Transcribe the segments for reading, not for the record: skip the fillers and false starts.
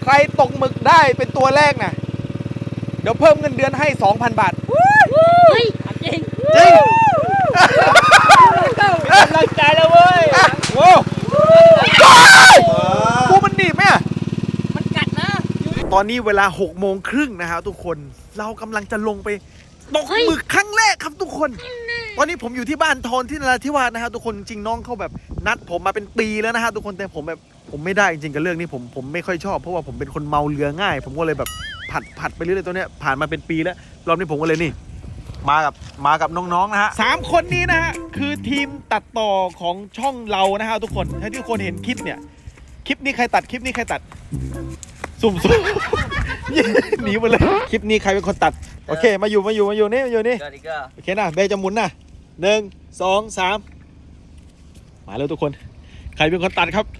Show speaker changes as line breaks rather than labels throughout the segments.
รตกหมึกได้เป็นตัวแรกนะเดี๋ยวเพิ่มเงินเดือนให้ 2,000 บาท
จริง
จริง
กำลังใจแล้วเว้ย
โว้กูมันหนีบไหม
มันกัดนะ
ตอนนี้เวลา6:30นะครับทุกคนเรากำลังจะลงไปตกหมึกครั้งแรกครับทุกคนตอนนี้ผมอยู่ที่บ้านทอนที่นราธิวาสนะครับทุกคนจริงน้องเขาแบบนัดผมมาเป็นปีแล้วนะฮะทุกคนแต่ผมแบบผมไม่ได้จริงกับเรื่องนี้ผมไม่ค่อยชอบเพราะว่าผมเป็นคนเมาเรือง่ายผมก็เลยแบบผัดไปเรื่อยๆตัวเนี้ยผ่านมาเป็นปีแล้วรอบนี้ผมก็เลยนี่มากับน้องๆนะฮะ3 คนนี้นะฮะคือทีมตัดต่อของช่องเรานะฮะทุกคนถ้าทุกคนเห็นคลิปเนี่ยคลิปนี้ใครตัดสุ่มหนีมาเลยคลิปนี้ใครเป็นคนตัดโอเคมาอยู่นี่โอเคนะเบย์จะหมุนนะ1 2 3มาแล้วทุกคนใครเป็นคนตัดครับ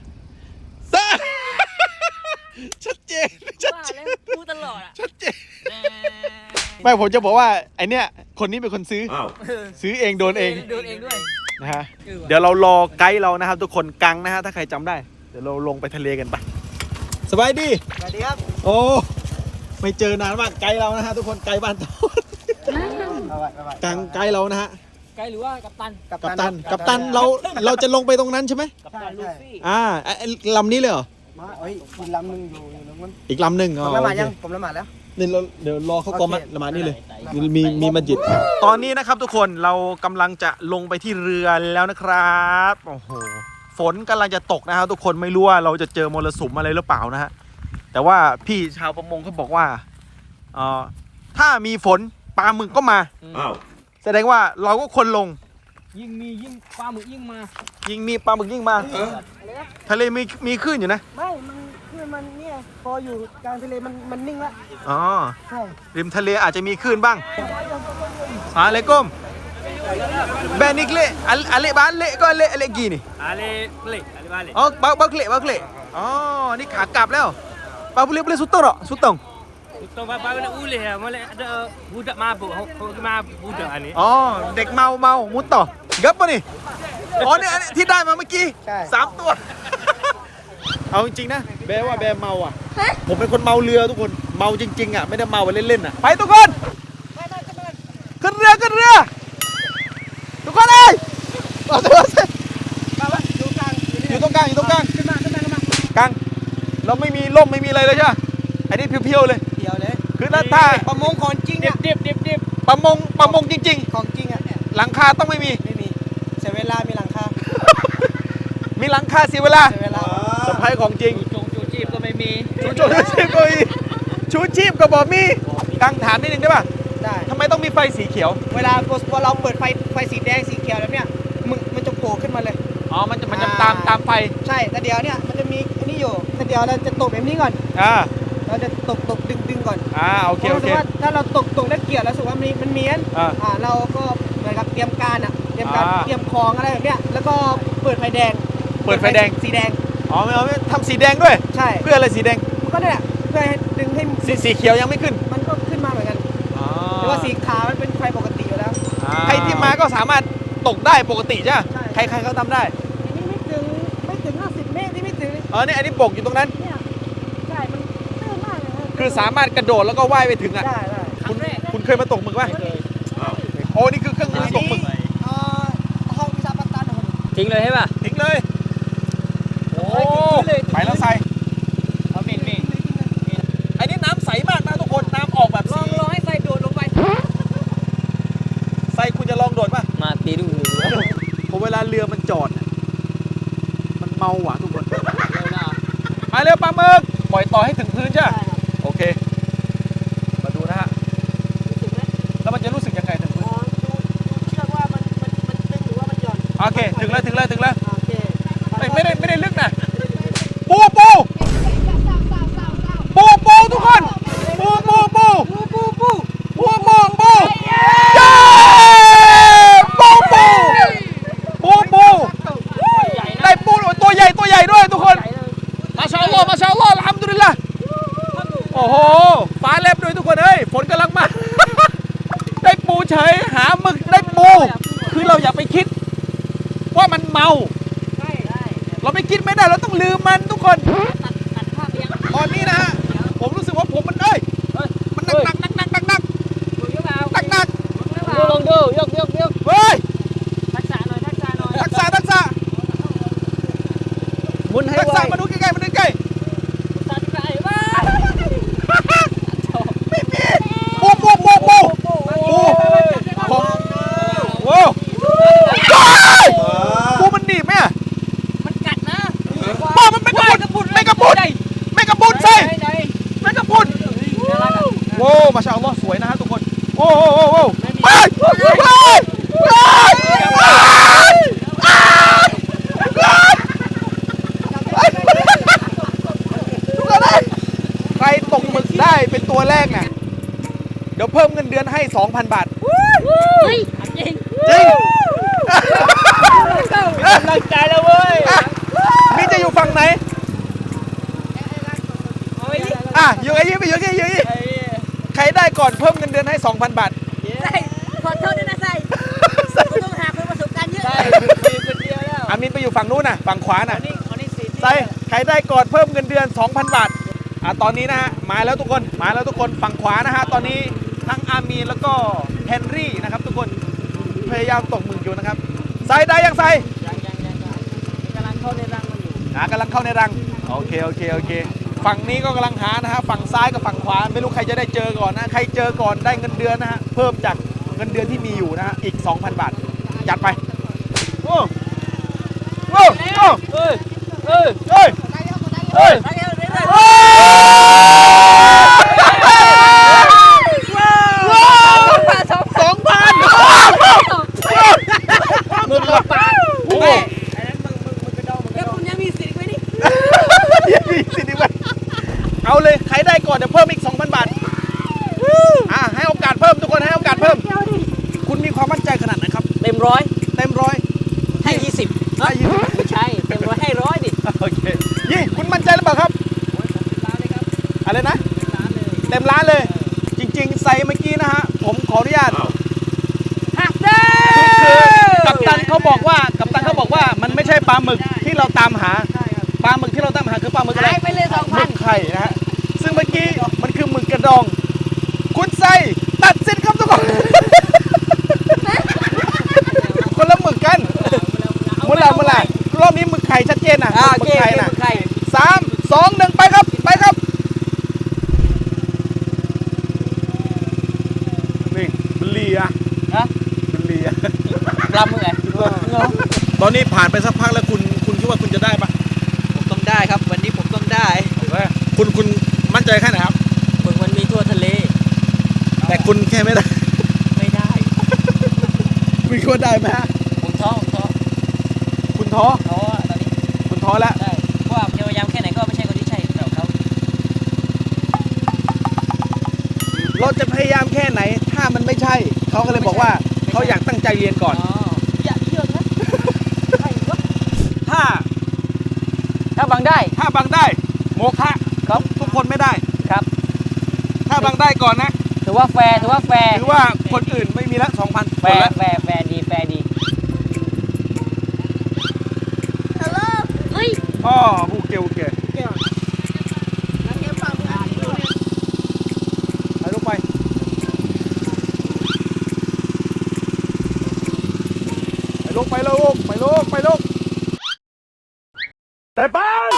ชัดเจน
พูดตลอดอ่ะ
ชัดเจนไม่ผมจะบอกว่าไอเนี้ยคนนี้เป็นคนซื้อเองโดนเอง
ด้วย
นะฮะเดี๋ยวเรารอไกด์เรานะครับทุกคนกังนะฮะถ้าใครจำได้เดี๋ยวเราลงไปทะเลกันไปสบายดี
ครับ
โอ้ไม่เจอนานมากไกด์เรานะฮะทุกคนไกด์บ้านทอนกังไกด์เรานะฮะ
ไกด์หรือว่ากัป
ตันเราจะลงไปตรงนั้นใช่ไหม
กัปตันลูฟี่
ลำนี้เลยเหรอ
อีกลำหนึ่งอยู่ตรงนั้น
อีกลำหนึ่ง
ผมละหมาดยังผมละหมาดแล้ว
นี่เดี๋ยวรอเขากอมละหมาดนี่เลยมีมัสยิดตอนนี้นะครับทุกคนเรากำลังจะลงไปที่เรือแล้วนะครับโอ้โหฝนกำลังจะตกนะครับทุกคนไม่รู้ว่าเราจะเจอมรสุมอะไรหรือเปล่านะฮะแต่ว่าพี่ชาวประมงเขาบอกว่าถ้ามีฝนปลาหมึกก็มาแสดงว่าเราก็ควรลง
ยิ่งปลาหมึกยิ่งมา
มีปลาหมึกยิ่งมาทะเลมีคลื่นอยู่นะ
ไม่มันคือมันเนี่ยพออยู่กลางทะเลมันนิ่งละ
อ๋อ
ใช่
ริมทะเลอาจจะมีคลื่นบ้างอะไรก้มแบนิกเล่อะไรบ้านเล่ก็เล่กี่นี่
อะไรบ้านเล่
อ๋อบักเล่อ๋อนี่ขากลับแล้วปลาboleh sutong tak sutong
Bapa nak boleh lah. Malah ada budak mabuk. Mabuk budak ni.
อ๋อเด็กเมามุดต่องับป่ะนี่อ๋อเนี่ยที่ได้มาเมื่อกี้3 ตัวเอาจริงๆนะแบว่าแบเมาอ่ะผมเป็นคนเมาเรือทุกคนเมาจริงๆอ่ะไม่ได้เมาไปเล่นๆอ่ะไปทุกคนขึ้นเรือทุกคนเลยอยู่ตรงกลางขึ้นมากลางเราไม่มีร่มไม่มีอะไรเลยใช่ไหมอันนี้เพียวๆเลยคือถ้า
ประมงของจริงอ่ะ
ดิบ
ประมงจริง
ๆของจริงอ่ะ
หลังคาต้องไม่มี
เสียเวลามีหลังคา
มีหลังคาเสียเวลาสะพายของจริง
ชูชีพก็ไม่มี
ชูชีพก็มีชูชีพก็บอกมีกังถามนิดนึงได้ป่ะ
ได้
ทำไมต้องมีไฟสีเขียว
เวลาเราเปิดไฟสีแดงสีเขียวแล้วเนี่ยมันจะโผล่ขึ้นมาเลย
อ๋อมันจะตามไฟ
ใช่แต่เดี๋ยวเนี่ยมันจะมีอันนี้อยู่แต่เดี๋ยวเราจะตกแบบนี้ก่อนเราจะตกดึงก่อน
โอเค
รู้สึกว่าถ้าเราตกแล้วเกี่ยวแล้วรู้สึกว่ามันเมียนเราก็เหมือนกับเตรียมการเตรียมของอะไรแบบเนี้ยแล้วก็เปิดไฟแดงสีแดง
อ๋อไม่ทำสีแดงด้วย
ใช่
เพื่ออะไรสีแดง
ก็เนี่ยเพื่อให้ดึงให้
สีเขียวยังไม่ขึ้น
มันก็ขึ้นมาเหมือนกันแต่ว่าสีขาวมันเป็นไฟปกติอยู่แล้ว
ใครที่มาก็สามารถตกได้ปกติใช่ไหมใครเขาทำได้
อันนี้ไม่ถึง50 เมตรนี่ไม่ถึง
เนี่ยอันนี้ปกอยู่ตรงนั้น
ใช่มันตื้นมากเลย
คือสามารถกระโดดแล้วก็ว่ายไปถึง
ได้
คุณเคยมาตกหมึกป่ะโอ้นี่คือเครื่องมือตกหมึก
ห้องวิชาปัตตาน
ทิ้งเลยใช่ป่ะ
ทิ้งเลยโอ้ไปแล้วใส่
เอามี
อันนี้น้ำใสมากนะทุกคนน้ำออกแบบ
ลองให้ใส่โดดลงไป
ใส่คุณจะลองโดดป่ะ
มาตีดู
พอเวลาเรือมันจอดมันเมาหวานทุกคนมาเร็วปลาหมึกปล่อยต่อให้ถึงพื้นใช่ไหมโอเคมาดูนะฮะแล้วมันจะรู้สึกยังไงถึงพื้น
เชื่อว่ามันตึงหรือว่ามันหย่อน
โอเคถึงแล้วไม่ได้ลึกนะปูทุกคนปูได้ปูตัวใหญ่ด้วยทุกคนมาชาอัลลอฮ์อัลฮัมดุลิลละห์โอ้โหฟ้าแลบด้วยทุกคนเอ้ยฝนกำลังมาได้ปูเฉยหาหมึกได้ปูคือเราอย่าไปคิดว่ามันเมาเราไม่คิดไม่ได้เราต้องลืมมันทุกคนตอนนี้นะฮะมาชาอัลลอฮ์สวยนะฮะทุกคนโอ้โหโอ้โหไปใครตกหมึกได้เป็นตัวแรกเนี่ยเดี๋ยวเพิ่มเงินเดือนให้ 2,000 บาท
เฮ้ยจริง
จริง
กำลังใจแล้วเว้ย
นี่จะอยู่ฝั่งไหนอยู่ไอ้ยี่ไปอยู่ไอ้ยี่ใครได้ก่อนเพิ่มเงินเดือนให้ 2,000 บาท
ใส่ขอโทษด้วยนะใส่กูต้องหาคนประสบการณ์เยอะ
คนเดียวแล้ว
อามินไปอยู่ฝั่งนู้นน่ะฝั่งขวาน่ะ
อันนี้สี
ใส่ใครได้ก่อนเพิ่มเงินเดือน 2,000 บาทตอนนี้นะฮะมาแล้วทุกคนฝั่งขวานะฮะตอนนี้ทั้งอามีนแล้วก็เฮนรี่นะครับทุกคนพยายามตกหมึกอยู่นะครับใส่ได้ยังใส่
กำลังเข้าในรังมันอยู่
กำลังเข้าในรังโอเคฝั่งนี้ก็กำลังหานะฮะฝั่งซ้ายกับฝั่งขวาไม่รู้ใครจะได้เจอก่อนนะใครเจอก่อนได้เงินเดือนนะฮะเพิ่มจากเงินเดือนที่มีอยู่นะฮะอีก 2,000 บาทจัดไปโอ้โอ้โอ้
เอ้ย
เฮ้ย
เฮ้ย
มึงหลบปาก
โอ้โห
แล้วคุณยังมีสิทธิ์ไหมนี่
สิดีเว้ยเอาเลยใครได้ก่อนเดี๋ยวเพิ่มอีก 2,000 บาทให้โอกาสเพิ่มทุกคนให้โอกาสเพิ่มคุณมีความมั่นใจขนาดไหนครับ
เต็มร้อย
เต็มร้อย
ให้20
ได้ยิน
ไม่ใช่เต็มร้อยให้100ดิ
โอเคยี่คุณมั่นใจหรือเปล่าครับอะไรนะเต็มร้านเลย จริงๆใส่เมื่อกี้นะฮะผมขออนุญาต
หักเด้
คือกัปตันเขาบอกว่ามันไม่ใช่ปลาหมึกที่เราตามหาปลาหมึกที่เราตามหาคือปลาหมึกอะไร
หายไปเลย
หมึกไข่นะฮะซึ่งเมื่อกี้มันคือหมึกกระดอง คุณใส่ตัดสินครับทุกคน คนละหมึกกันมุลารอบนี้หมึกไข่ชัดเจนนะหมึกไข่นะ
ไข่
3 2 1ไปครับนี่มันเลีย
ฮะ
มันเลีย
ปลาหมึกไง
ตอนนี้ผ่านไปสักพักแล้วคุณคิดว่าคุณจะได้ปะ
ผมต้องได้ครับ วันนี้ผมต้องได้
คุณมั่นใจแค่ไหนครับ
หมึกมันมีทั่วทะเล
แต่คุณแค่ไม่ได้
ไม่ได้
คุณคิดว่าได้ไหมฮะ
ผมท้อ
คุณท้อ
ท้อตอนนี้
คุณท้อแล้ว
ได้เพราะว่าพยายามแค่ไหนก็ไม่ใช่คนที่ใช่สำหรับเขา
เราจะพยายามแค่ไหนถ้ามันไม่ใช่เขาก็เลยบอกว่าเขาอยากตั้งใจเรียนก่อน
อย่าเยอะนะ
ถ้า
ถ้าบังได้
บังได้โมฆะครับทุกคนไม่ได้
ครับ
ถ้าบังได้ก่อนนะ
ถือว่าแฟร์
ถือว่าคนอื่นไม่มีละ 2,000
แฟร์ดีดี
เฮ้ย
อ๋อโอเคไปลงไปลงแต่บ้าน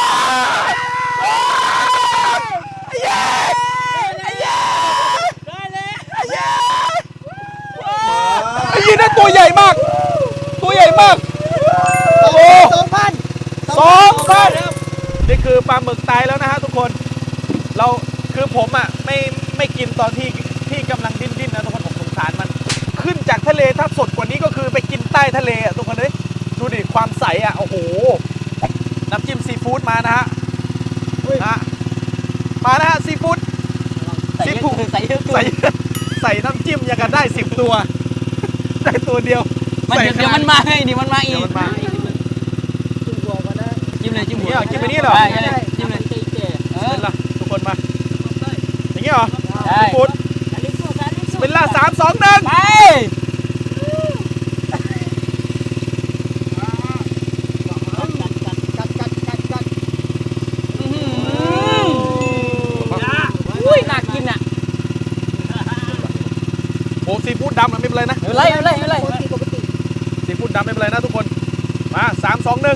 ไอ้ยี่นั่นตัวใหญ่มาก โอ้โห 2,000นี่คือปลาหมึกตายแล้วนะฮะทุกคนเราคือผมอ่ะไม่กินตอนที่กำลังดิ้นนะทุกคนผมสงสารมันขึ้นจากทะเลถ้าสดกว่านี้ก็คือไปกินใต้ทะเลอ่ะทุกคนเลยดูดิความใสอ่ะโอ้โหน้ำจิ้มซีฟู้ดมานะฮะมานะฮะซีฟู้ด
ใส่เยอะ
ใส่น้ำจิ้มอย่างกันได้10 ตัวได้ตัวเดียว
มันเดี๋ยวมันมาให้ดิมันมาอี
เดี๋ยว
ก
มันมา
จิ้มเลยจิ้มหัว
จิ้มไปนี่เหรอ
จิ้มเลย
เป็นละทุกคนมาอย่างนี้เหรอ
ได้
ซีฟู้ดเป็นละ3 2 1
ไป อุ้ยน่ากินอ่ะ
โอ้ซีฟู้ดดำมันไม่เป็นไรนะ
ไม่เป็นไร
ซีฟู้ดดำไม่เป็นไรนะทุกคนมา3 2 1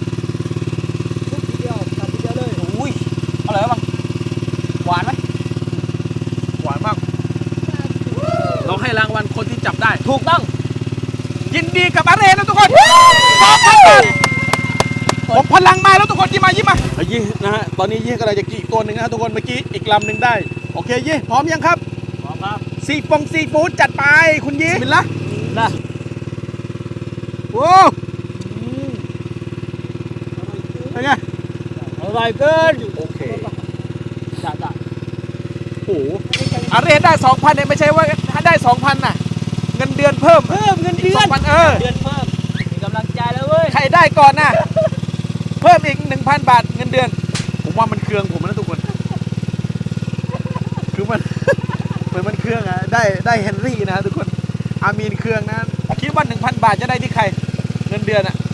อุ้ยอร่อยมั้งหวานไหม
หวานมากเราให้รางวัลคนที่จับได้
ถูกต้อง
ยินดีกับอาเรนนะทุกคนผมพลังมาแล้วทุกคนยิ้มมายี่นะฮะตอนนี้ยี่กำลังจะกี่ตัวหนึ่งนะทุกคนเมื่อกี้อีกลำหนึ่งได้โอเคยี่พร้อมยังครับซีฟู้ดจัดไปคุณยิ้มบินละ
นะ
โอ้เป็นไง
อร่อยเกิน
โอเค
จ้า
โอ้โหอะไรได้ 2,000เนี่ยไม่ใช่ว่าถ้าได้ 2,000น่ะเงินเดือนเพิ่มเงินเดือน2,000
เดือนเพิ่มมีกำลังใจแล้วเว้ย
ใครได้ก่อนน่ะเพิ่มอีก 1,000 บาทเงินเดือนผมว่ามันเครื่องผมนะทุกคนคือมัน เหมือนมันเครื่องอะได้เฮนรี่นะทุกคนอามีนเครื่องนะคิดว่า 1,000 บาทจะได้ที่ใครเงินเดือนอะ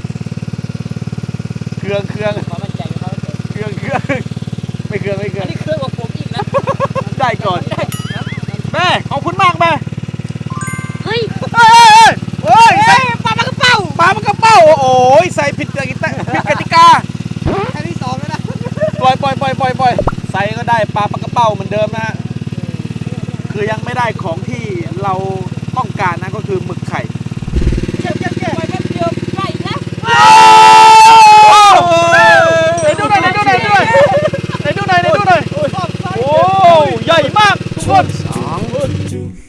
เครื่อง
ความมั่นใจเขา
ไม่เครื่อง
อันนี้เครื่องของผมอีกนะ
ได้ก่อนแม่ขอบคุณมากแม่
เฮ้ย
เฮ้ยปลามันกระเป๋าโอ้ยใส่ผิดกติกา
แค่ที่2แล้วนะ
ปล่อยใส่ก็ได้ปลากระเป๋าเหมือนเดิมนะฮะคือยังไม่ได้ของที่เราต้องการนะก็คือหมึกไข่
ไปแป๊บเดียวใกล้แล้ว
ไหนดูหน่อยโอ้ใหญ่มากทุกคน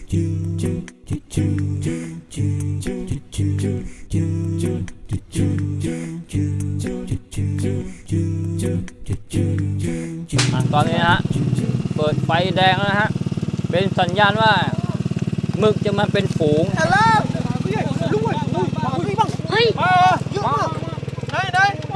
ตอนนี้นะฮะเปิดไฟแดงแล้วนะฮะเป็นสัญญาณว่าหมึกจะมาเป็นฝูง
เฮ้ย
ไหนโอ้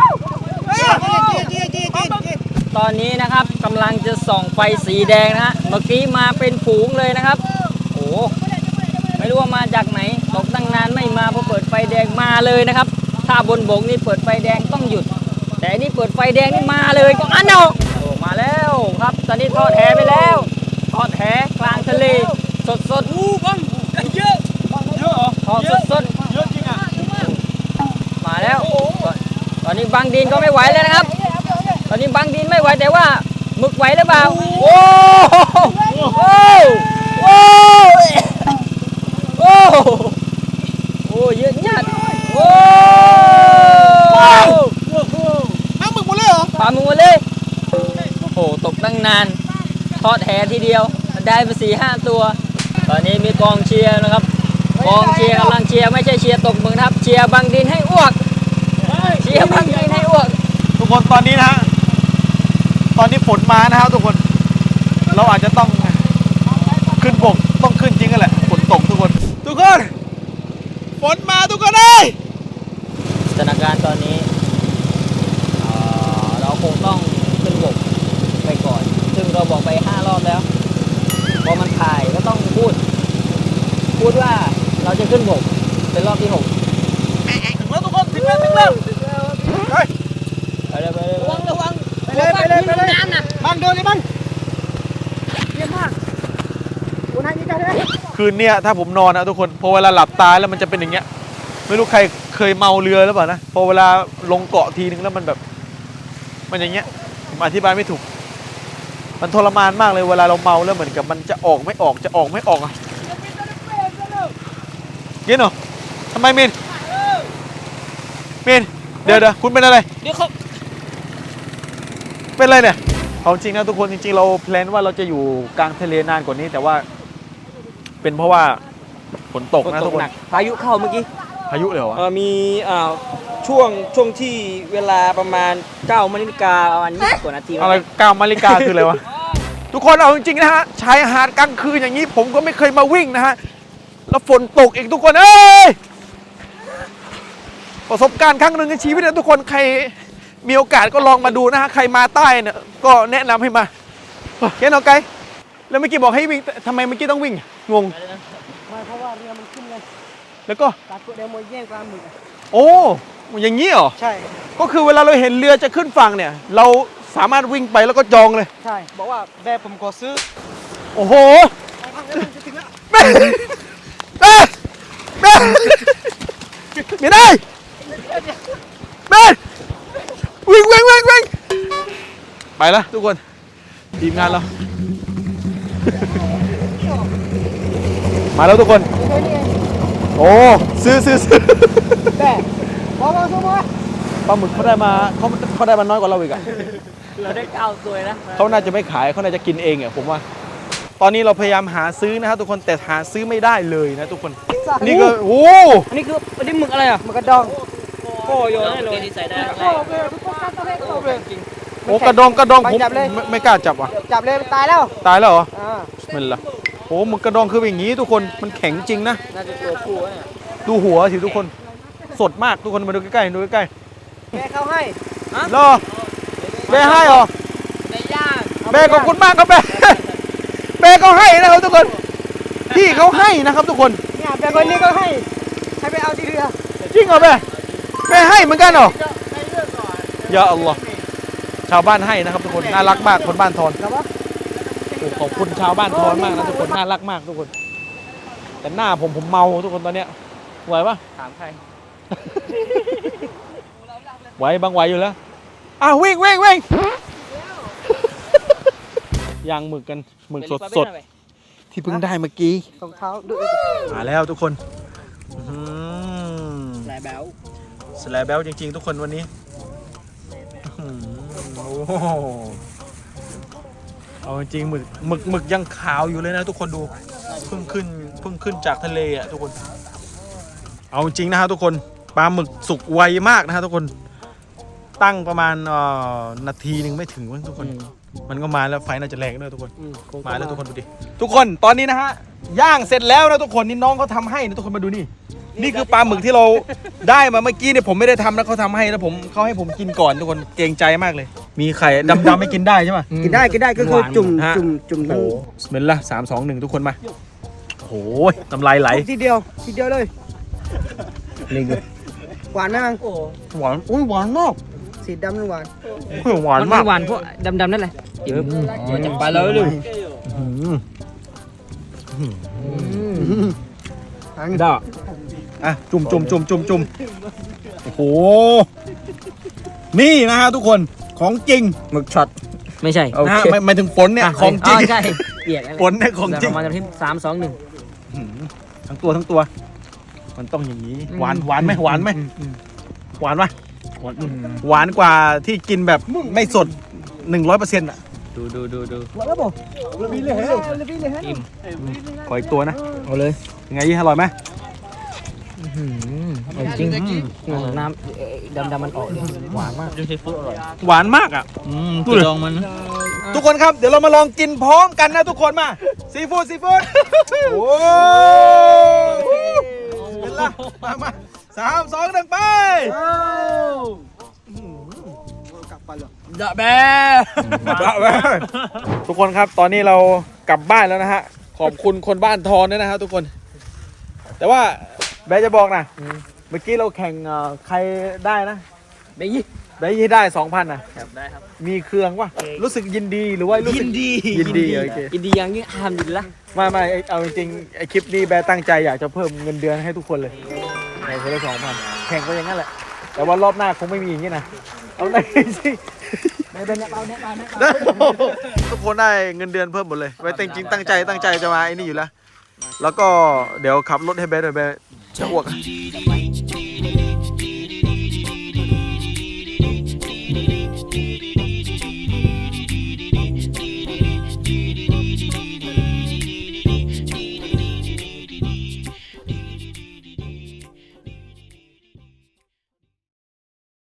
ตอนนี้นะครับกำลังจะส่องไฟสีแดงนะฮะเมื่อกี้มาเป็นฝูงเลยนะครับโอ้ไม่รู้ว่ามาจากไหนตกตั้งนานไม่มาพอเปิดไฟแดงมาเลยนะครับถ้าบนบกนี่เปิดไฟแดงต้องหยุด แต่อันนี่เปิดไฟแดงนี่มาเลยก็อันเนาะโอ้มาแล้วครับตอนนี้ทอดแหไปแล้วทอดแหกลางทะเลสดบังเยอะเหรอทอดสดเยอะจริงอ่ะมาแล้วตอนนี้บางดินก็ไม่ไหวแล้วนะครับ ตอนนี้บางดินไม่ไหวแต่ว่าหมึกไหวหรือเปล่าโอ้โหโอ้เยอะจัดโอ้ปลาหมึกหมดเลยโอ้ตกตั้งนานทอดแหทีเดียวได้ไป4-5 ตัว ตอนนี้มีกองเชียร์นะครับกองเชียร์กำลังเชียร์ไม่ใช่เชียร์ตกหมึกครับเชียร์บางดินให้อ้วกเชียร์บางดินให้อ้วก
ทุกคนตอนนี้นะฮะตอนนี้ฝนมานะครับทุกคนเราอาจจะต้องขึ้นบกต้องขึ้นจริงกันแหละฝนตกทุกคนฝนมาทุกคนเลย
สถานการณ์ตอนนี้เราคงต้องขึ้นบกไปก่อน ซึ่งเราบอกไป5 รอบแล้วพอมันถ่ายก็ต้องพูดว่าเราจะขึ้นบกเป็นรอบที่6
ถึงแล้วทุกคนถึงแล้วไป
เลย
ระวัง
ไปเลย
น้ำนะ
บังเดินเลยบังเยี่ยมมากโอ้นายนี่ได้เลย
คืนเนี้ยถ้าผมนอนนะทุกคนพอเวลาหลับตาแล้วมันจะเป็นอย่างเงี้ยไม่รู้ใครเคยเมาเรือหรือเปล่านะพอเวลาลงเกาะทีนึงแล้วมันแบบมันอย่างเงี้ยผมอธิบายไม่ถูกมันทรมานมากเลยเวลาเราเมาแล้วเหมือนกับมันจะออกไม่ออกอ่ะเย็นเหรอทำไมมินเดี๋ยวคุณเป็นอะไร
เดี๋ยวเขา
เป็นอะไรเนี่ยเอาจริงนะทุกคนจริงๆเราแพลนว่าเราจะอยู่กลางทะเลนานกว่านี้แต่ว่าเป็นเพราะว่าฝนตกนะทุกคน
พายุเข้าเมื่อกี้
พายุเลยเหรอวะ
มีช่วงที่เวลาประมาณ9 นาฬิกาประมาณ20 กว่านาที
อะไร9 นาฬิกาคืออะไรวะ ทุกคนเอาจริงๆนะฮะชายหาดกลางคืนอย่างนี้ผมก็ไม่เคยมาวิ่งนะฮะแล้วฝนตกอีกทุกคนเอ้ยประสบการณ์ครั้งหนึ่งในชีวิตนะทุกคนใครมีโอกาสก็ลองมาดูนะฮะใครมาใต้เนี่ยก็แนะนำให้มาเห็นเอาไกลแล้วเมื่อกี้บอกให้วิ่งทำไมเมื่อกี้ต้องวิ่งงง
เพราะว่าเรือมันขึ้นเลย
แล้วก็
ตัดตัวเดียวมวยแย่งปลาหมึก
โอ้อย่างนี้เหรอ
ใช่
ก็คือเวลาเราเห็นเรือจะขึ้นฝั่งเนี่ยเราสามารถวิ่งไปแล้วก็จองเลย
ใช่บอกว่าแบบผมขอซื้อ
โอ้โห
จะถึงแล้ว
แม่ไม่ได้แม่วิ่งไปละทุกคนทีมงานเรา มาแล้วทุกคนโอ้ซื้อ
แต่บอกซื้อมา
ปลาหมึกเขาได้มาน้อยกว่าเราอีกอะ
เราได้9 ตัวนะ
เขาน่าจะไม่ขายเขาน่าจะกินเองอะผมว่าตอนนี้เราพยายามหาซื้อนะครับทุกคนแต่หาซื้อไม่ได้เลยนะทุกคนนี่ก็โอ้
อันนี้คืออันนี้หมึกอะไรอ่ะ
มันกระดอง
โอ้โยนให้เลยใส่ได้
โอ้กระดองผม
จับเลย
ไม่กล้าจับว่ะ
จับเลยมันตายแล้ว
ตายแล้วเหรอ
อ่า
มันละโอ้หมึกกระดองคือเป็นอย่างนี้ทุกคนมันแข็งจริงนะ
น่าจะตัวผู้เนี่ย
ดูหัวสิทุกคนสดมากทุกคนมาดูใกล้ๆดูใกล้
แม่เขาให้
ๆรอแม่ให้เหรอ
ในย่าง
แม่ขอบคุณมากครับแม่ แม่เขาให้นะครับทุกคนพี่เขาให้นะครับทุกคน
เนี่ยแม่คนนี้ก็ให้ไปเอาที่เรือ
จริงเหรอแม่แม่ให้เหมือนกันเหรออย่าอัลลอฮ์ชาวบ้านให้นะครับทุกคนน่ารักมากคนบ้านทอนโอ้ขอบคุณชาวบ้านทอนมากนะทุกคนน่ารักมากทุกคน แต่หน้าผมเมาทุกคนตอนเนี้ยไหวปะ
ถามใคร
ไหวบางไหวอยู่แล้วอ้าววิ่งย่างหมึกกันหมึกสดๆที่เพิ่งได้เมื่อกี้
รองเท้าดู
มาแล้วทุกคน
แหลแบ๊ว
สแลบแบลจริงๆทุกคนวันนี้โอ้โหเอาจริงๆหมึกยังขาวอยู่เลยนะทุกคนดูเพิ่งขึ้นจากทะเลอ่ะทุกคน เอาจริงนะฮะทุกคนปลาหมึกสุกไวมากนะฮะทุกคนตั้งประมาณนาทีหนึ่งไม่ถึงทุกคนมันก็มาแล้วไฟน่าจะแรงด้วยทุกคนมาแล้วทุกคนดูดิทุกคนตอนนี้นะฮะย่างเสร็จแล้วนะทุกคนนี่น้องเขาทำให้นะทุกคนมาดูนี่นี่คือปลาหมึกที่เราได้มาเมื่อกี้เนี่ยผมไม่ได้ทำนะเขาทำให้แล้วเขาให้ผมกินก่อนทุกคนเกรงใจมากเลย มีไข่ดำๆไม่กินได้ใช่ไหม
กินได้ก็คือจุ่ม
โอ้โหสเมลละ3-2-1ทุกคนมาโอ้โหน้ำลายไหล
ทีเดียวเลยหวานไหมมัง
หวานอุ้ยหวานมาก
สีดำหรือหวาน
หวานมาก
หวานพวกดำๆนั่นแหละจับปลาเลยเลย
ได้อ่ะจุ่มโอ้โหนี่นะฮะทุกคนของจริง
หมึกช็อตไม่ใช่
นะฮะไม่ถึงฝนเนี่ยของจริง
ใช่เปียก
ฝนเนี่ยของจริง
ประมาณที่3-2-1
ทั้งตัวมันต้องอย่างนี้หวานไหมหวานกว่าที่กินแบบไม่สด 100%อ่ะ
ดู
หวานแล้วบ่ระบีเลยฮะ
อิ่ม
ขออีกตัวนะ
เอาเลย
ยังไงยี่อร่อยไหม
จริงน้ำดำมันออกหวานมากจิ้มซีฟู้ดอร่อย
หวานมากอ่ะ
ตัวดองมัน
ทุกคนครับเดี๋ยวเรามาลองกินพร้อมกันนะทุกคนมาซีฟู้ดโอ้เป็นละมา3-2-1ไป
ดะแบ
ทุกคนครับตอนนี้เรากลับบ้านแล้วนะฮะขอบคุณคนบ้านทอนด้วยนะฮะทุกคน แต่ว่าแบร์จะบอกนะเมื่อกี้เราแข่งใครได้นะ
เบยี่
ได้ยี่ได้ 2,000นะ
ครับได้ครับ
มีเครื่องวะรู้สึกยินดีหรือว่ารู้สึกยินดีโอเค
ยินดียังยิ่งห้ามดินละ
ไม่เอาจริงๆไอคลิปนี้แบร์ตั้งใจอยากจะเพิ่มเงินเดือนให้ทุกคนเลยในคนละ2,000แข่งก็อย่างนั้นแหละแต่ว่ารอบหน้าคงไม่มีอย่างนี้นะเอาได้สิทุกคนได้เงินเดือนเพิ่มหมดเลยไว้จริงๆตั้งใจจะมาไอ้นี่อยู่แล้วแล้วก็เดี๋ยวขับรถให้แบร์ด้วยแบร์จะอ้วก